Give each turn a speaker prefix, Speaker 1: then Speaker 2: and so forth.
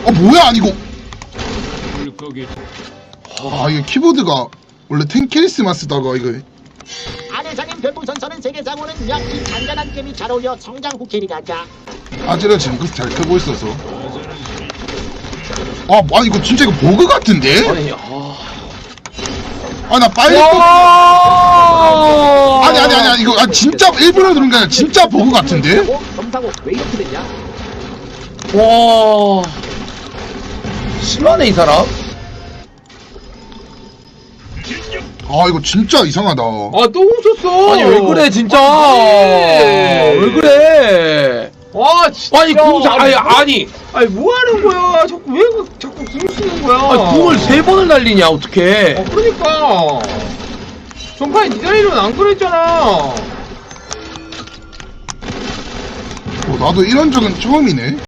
Speaker 1: 뭐야 이거. 이게 키보드가 원래 텐키리스만 쓰다가 이거.
Speaker 2: 아내장님 별풍선서는 세계 장호는 야이 잔잔한 게임이 잘 어울려 성장 후캐리라자.
Speaker 1: 아재가 징크스 잘 켜고 있어서. 이거 진짜 이거 버그 같은데? 나 빨리 아니 이거 진짜 일부러 그런 게 아니라 진짜 버그 같은데?
Speaker 2: 검사고 왜 이렇게 됐냐?
Speaker 3: 와 심하네 이 사람.
Speaker 1: 이거 진짜 이상하다.
Speaker 4: 또 훔쳤어.
Speaker 3: 아니 왜 그래 진짜. 왜 그래.
Speaker 4: 진짜.
Speaker 3: 아니 아니
Speaker 4: 뭐 하는 거야? 자꾸 궁 쓰는 거야?
Speaker 3: 궁을 3번을 날리냐 어떡해.
Speaker 4: 그러니까. 전판에 디자인은 안 그랬잖아.
Speaker 1: 나도 이런 적은 처음이네.